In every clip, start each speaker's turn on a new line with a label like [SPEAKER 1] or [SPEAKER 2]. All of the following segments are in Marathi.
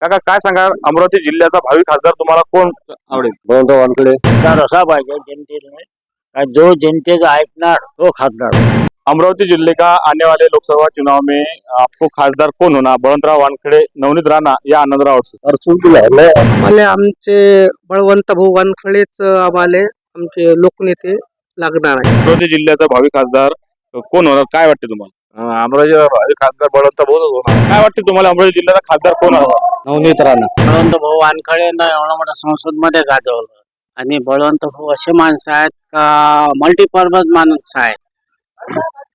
[SPEAKER 1] काका काय सांगा, अमरावती जिल्ह्याचा भावी खासदार तुम्हाला कोण आवडेल?
[SPEAKER 2] बळवंत वानखडे.
[SPEAKER 3] खासदार असा पाहिजे जनतेने का जो जनतेचं ऐकणार तो खासदार.
[SPEAKER 1] अमरावती जिले का आने वाले लोकसभा चुनाव में आपको खासदार कौन होना? बळवंतराव वानखडे, नवनीत राणा या आनंदराव अडसूळ?
[SPEAKER 2] अडसूळ आहे.
[SPEAKER 4] आम्हाला आमचे बळवंत भाऊ वानखडेच आम्हाला आमचे लोकनेते लागणार आहे.
[SPEAKER 1] अमरावती जिल्ह्याचा भावी खासदार कोण होणार? काय वाटते तुम्हाला?
[SPEAKER 2] अमरावती भावी खासदार बळवंत भाऊच होणार.
[SPEAKER 1] काय वाटते तुम्हाला, अमरावती जिल्ह्याचा खासदार कोण हवा?
[SPEAKER 2] नवनीत राणा.
[SPEAKER 3] बळवंत भाऊ वानखडेंना एवढा मोठा संसद मध्ये गाजवलं आणि बळवंत भाऊ असे माणसं आहेत का मल्टीपर्पज माणूस आहे.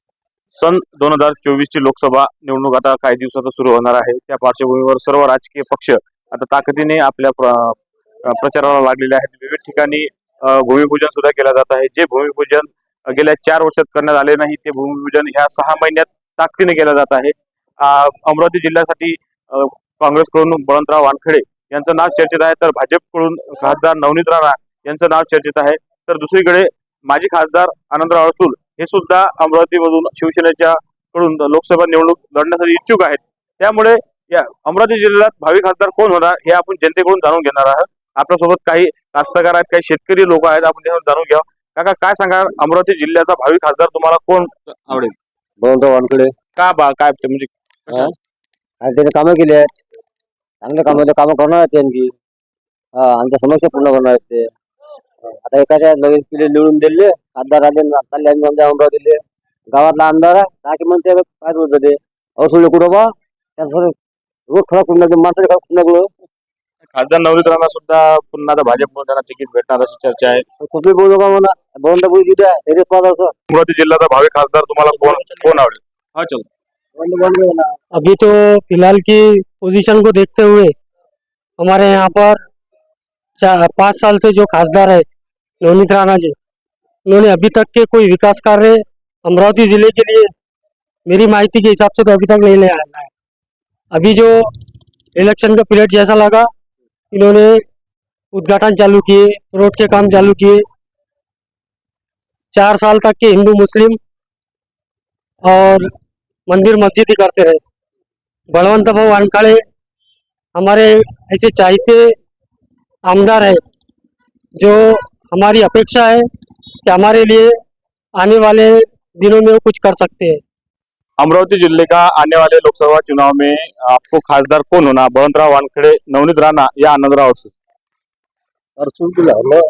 [SPEAKER 1] सन 2024 ची लोकसभा निवडणूक आता काही दिवसात सुरू होणार आहे. त्या पार्श्वभूमीवर सर्व राजकीय पक्ष आता ताकदीने आपल्या प्रचाराला लागलेले आहेत. विविध ठिकाणी भूमिपूजन सुद्धा केलं जात आहे. जे भूमिपूजन गेल्या 4 वर्षात करण्यात आले नाही ते भूमिपूजन ह्या 6 महिन्यात ताकदीने केलं जात आहे. अमरावती जिल्ह्यासाठी काँग्रेसकडून बळवंतराव वानखडे यांचं नाव चर्चेत आहे, तर भाजपकडून खासदार नवनीत राणा यांचं नाव चर्चेत आहे. तर दुसरीकडे माजी खासदार आनंदराव अडसूळ हे सुद्धा अमरावतीमधून शिवसेनेच्या कडून लोकसभा निवडणूक लढण्यासाठी इच्छुक आहेत. त्यामुळे या अमरावती जिल्ह्यात भावी खासदार कोण होणार हे आपण जनतेकडून जाणून घेणार आहोत. आपल्यासोबत काही कास्तकार आहेत, काही शेतकरी लोक आहेत, आपण त्यावर जाणून घ्या. काका काय सांगा, अमरावती जिल्ह्याचा भावी खासदार तुम्हाला कोण आवडेल?
[SPEAKER 2] बळवंत वानखडे.
[SPEAKER 1] का काय ते म्हणजे
[SPEAKER 2] त्याने कामं केली आहेत, चांगल्या कामं करणार आहेत त्यांची. आमच्या समस्या पूर्ण करणार आहेत ते. आता एखाद्या नवीन पिढी निवडून दिले खासदार आले चालले आम्ही आमच्या अमरावतीले गावातला आमदार आहे म्हणते काय बोलत ते अडसूळ कुठं बा त्यांचं रोज खराब करून टाकले, माणसाने खराब करून टाकलं.
[SPEAKER 1] खासदार नवनीत राणा सुद्धा पुन्हा आता भाजपकडून त्यांना तिकीट भेटणार अशी चर्चा आहे.
[SPEAKER 2] सगळे बोलू का म्हणा बळवंत भाऊ जिथे आहे त्याच्याच पाहत असं.
[SPEAKER 1] अमरावती जिल्ह्याचा भावी खासदार तुम्हाला कोण आवडेल? हा चलो.
[SPEAKER 4] अभी तो फिलहाल की पोजीशन को देखते हुए हमारे यहाँ पर 5 साल से जो खासदार है नवनीत राणा जी, उन्होंने अभी तक के कोई विकास कार्य अमरावती जिले के लिए मेरी माहिती के हिसाब से तो अभी तक नहीं ले आया है. अभी जो इलेक्शन का पीरियड जैसा लगा, इन्होंने उद्घाटन चालू किए, रोड के काम चालू किए. 4 साल तक के हिंदू मुस्लिम और मंदिर मस्जिद ही करते रहे. बळवंत भाऊ वानखडे हमारे ऐसे चाहते आमदार है जो हमारी अपेक्षा है कि हमारे लिए आने वाले दिनों में वो कुछ कर सकते हैं.
[SPEAKER 1] अमरावती जिले का आने वाले लोकसभा चुनाव में आपको खासदार कौन होना? बळवंतराव वानखडे, नवनीत राणा या आनंदराव अडसूळ?
[SPEAKER 2] अडसूळ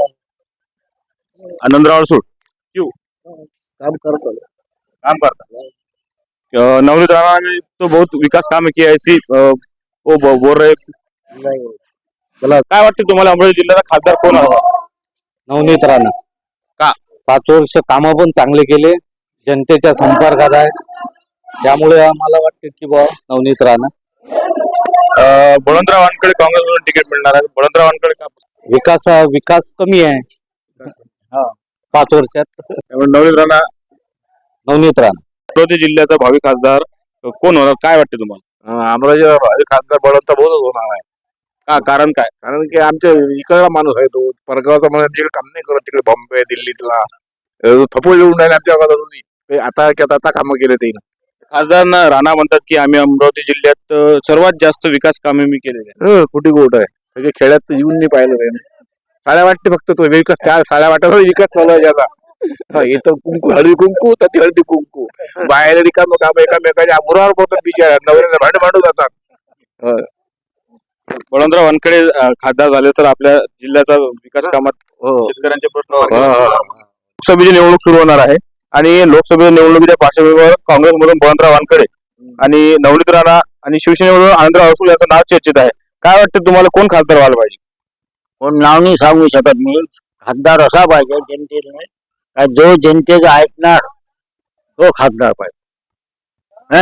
[SPEAKER 1] आनंदराव अडसूळ क्यों?
[SPEAKER 2] काम करतो
[SPEAKER 1] काम करता. नवनीत राणा ने तो बहुत विकास काम किया ऐसी वो बोल रहे.
[SPEAKER 2] नाही.
[SPEAKER 1] काय वाटते तुम्हाला, अमरावती जिल्ह्याचा खासदार कोण हवा?
[SPEAKER 2] नवनीत राणा.
[SPEAKER 1] का?
[SPEAKER 2] 5 वर्ष कामं पण चांगले केले, जनतेच्या संपर्कात आहे, त्यामुळे आम्हाला वाटते की बा नवनीत राणा.
[SPEAKER 1] बळवंतराव वानखडे काँग्रेसमधून तिकीट मिळणार आहे. बळवंतराव वानखडे का?
[SPEAKER 2] विकास कमी आहे 5 वर्षात.
[SPEAKER 1] नवनीत राणा.
[SPEAKER 2] नवनीत राणा.
[SPEAKER 1] अमरावती जिल्ह्याचा भावी खासदार कोण होणार? काय वाटते तुम्हाला?
[SPEAKER 2] अमरावती भावी खासदार बळवंत भाऊच होणार आहे.
[SPEAKER 1] का कारण काय?
[SPEAKER 2] कारण की आमच्या इकडला माणूस आहे तो, परगावचा माणूस तिकडे काम नाही करत, तिकडे बॉम्बे दिल्लीतला थपोळ येऊन राहिले आमच्या गावात. आता कामं केले ते.
[SPEAKER 1] खासदार राणा म्हणतात की आम्ही अमरावती जिल्ह्यात सर्वात जास्त विकास कामे मी केलेले आहेत.
[SPEAKER 2] कुठे गोट आहे सगळे खेड्यात येऊन नाही पाहिलं त्याने. साड्या वाटते फक्त तो विकास, त्या साड्या वाटायला विकास चालू आहे त्याचा. इथं कुंकू हळदी कुंकू तर ती हळदी कुंकू बाहेर रिकाम काम एकामेकाच्या मुरावर पडतात, बिचार नवऱ्याला भांडू जातात.
[SPEAKER 1] बळवंतराव वानखडे खासदार झाले तर आपल्या जिल्ह्याचा विकास कामात शेतकऱ्यांचे प्रश्न लोकसभेची निवडणूक सुरू होणार आहे आणि लोकसभेच्या निवडणुकीच्या पार्श्वभूमीवर काँग्रेसमधून बळवंतराव वानखडे आणि नवनीत राणा आणि शिवसेनेमधून आनंदराव अडसूळ यांचं नाव चर्चेत आहे. काय वाटतं तुम्हाला, कोण खासदार व्हायला पाहिजे?
[SPEAKER 3] कोण नाव नाही सांगू शकत मी. खासदार असा पाहिजे जनतेने का जो जनतेचं ऐकणार तो खासदार पाहिजे.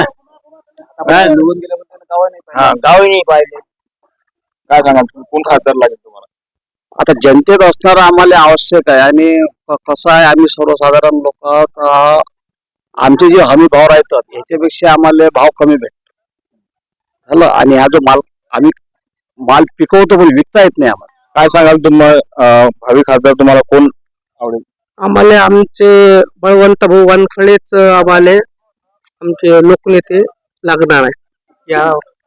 [SPEAKER 3] गावही नाही पाहिजे.
[SPEAKER 1] काय सांगा, कोण खासदार लागेल तुम्हाला?
[SPEAKER 2] आता जनतेत असणारं आम्हाला आवश्यक आहे. आणि कसं आहे, आम्ही सर्वसाधारण लोक आमचे जे हमी भाव राहतात याच्यापेक्षा आम्हाला भाव कमी भेटतो झालं. आणि हा जो माल आम्ही माल पिकवतो पण विकता येत नाही आम्हाला.
[SPEAKER 1] काय सांगाल तुम्हाला, भावी खासदार तुम्हाला कोण आवडेल?
[SPEAKER 4] आम्हाला आमचे बळवंत भाऊ वानखडेच आम्हाला आमचे लोकनेते लागणार आहे. या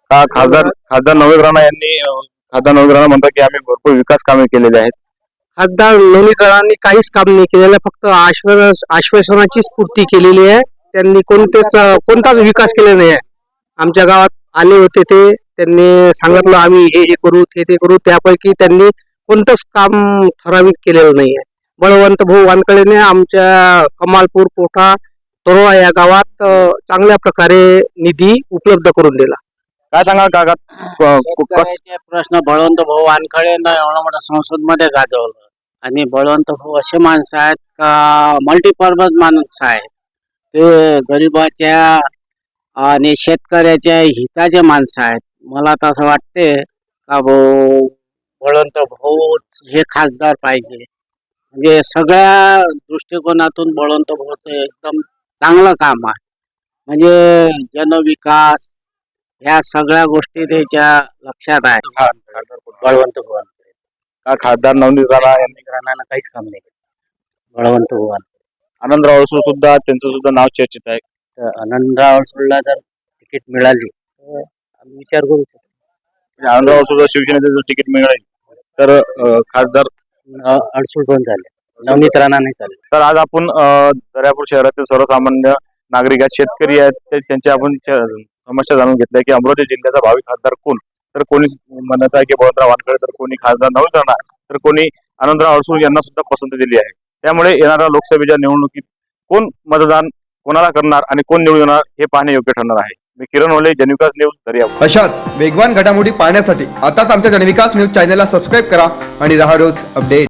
[SPEAKER 1] खासदार नवनीत राणा यांनी खासदार नवनीत राणा म्हणतात की आम्ही भरपूर विकास कामे केलेली आहेत.
[SPEAKER 4] खासदार नवनीत राणांनी काहीच काम नाही केलेलं, फक्त आश्वासनाचीच पूर्ती केलेली आहे. त्यांनी कोणताच विकास केलेला नाही आहे. आमच्या गावात आले होते त्यांनी सांगितलं आम्ही हे करू ते करू, त्यापैकी त्यांनी कोणतंच काम ठराविक केलेलं नाही आहे. बळवंत भाऊ वानखेडेने आमच्या कमालपूर कोठा तरोळा या गावात चांगल्या प्रकारे निधी उपलब्ध करून दिला.
[SPEAKER 1] काय सांगाल काका
[SPEAKER 3] शेतकऱ्याचे प्रश्न बळवंत भाऊ वानखेडेनं एवढा मोठा संसद मध्ये गाजवलं. आणि बळवंत भाऊ असे माणसं आहेत का मल्टीपर्पज माणूस आहेत. ते गरिबाच्या आणि शेतकऱ्याच्या हिताचे माणसं आहेत. मला तर असं वाटते का बळवंत भाऊ हे खासदार पाहिजे. म्हणजे सगळ्या दृष्टिकोनातून बळवंत भाऊचं एकदम चांगलं काम आहे. म्हणजे जनविकास ह्या सगळ्या गोष्टी त्याच्या लक्षात आहे. बळवंत भाऊ
[SPEAKER 1] खासदार नवनीत राणा यांनी
[SPEAKER 3] राणानं काहीच काम नाही केलं. बळवंत भाऊ
[SPEAKER 1] आनंदराव अडसूळ सुद्धा त्यांचं सुद्धा नाव चर्चित आहे.
[SPEAKER 3] तर आनंदराव अडसूळला जर तिकीट मिळाली तर आम्ही विचार करू शकतो.
[SPEAKER 1] आनंदराव अडसूळ शिवसेनेचं जर तिकीट मिळालं तर खासदार
[SPEAKER 3] अडसूळ पण झाले, नवनीत राणा नाही चालले.
[SPEAKER 1] तर आज आपण दर्यापूर शहरातील सर्वसामान्य नागरिक आहेत, शेतकरी आहेत, त्यांच्या आपण समस्या जाणून घेतल्या की अमरावती जिल्ह्याचा भावी खासदार कोण. तर कोणी म्हणत आहे की बळवंतराव वानखेडे, तर कोणी खासदार नवनीत राणा, तर कोणी आनंदराव अडसूळ यांना सुद्धा पसंती दिली आहे. त्यामुळे येणाऱ्या लोकसभेच्या निवडणुकीत कोण मतदान कोणाला करणार आणि कोण निवडून येणार हे पाहणे योग्य ठरणार आहे. मी किरण ओले, जनविकास न्यूज, दर्यापूर.
[SPEAKER 5] अशाच वेगवान घडामोडी पाहण्यासाठी आताच आमच्या जनविकास न्यूज चॅनलला सबस्क्राईब करा आणि रहा रोज अपडेट.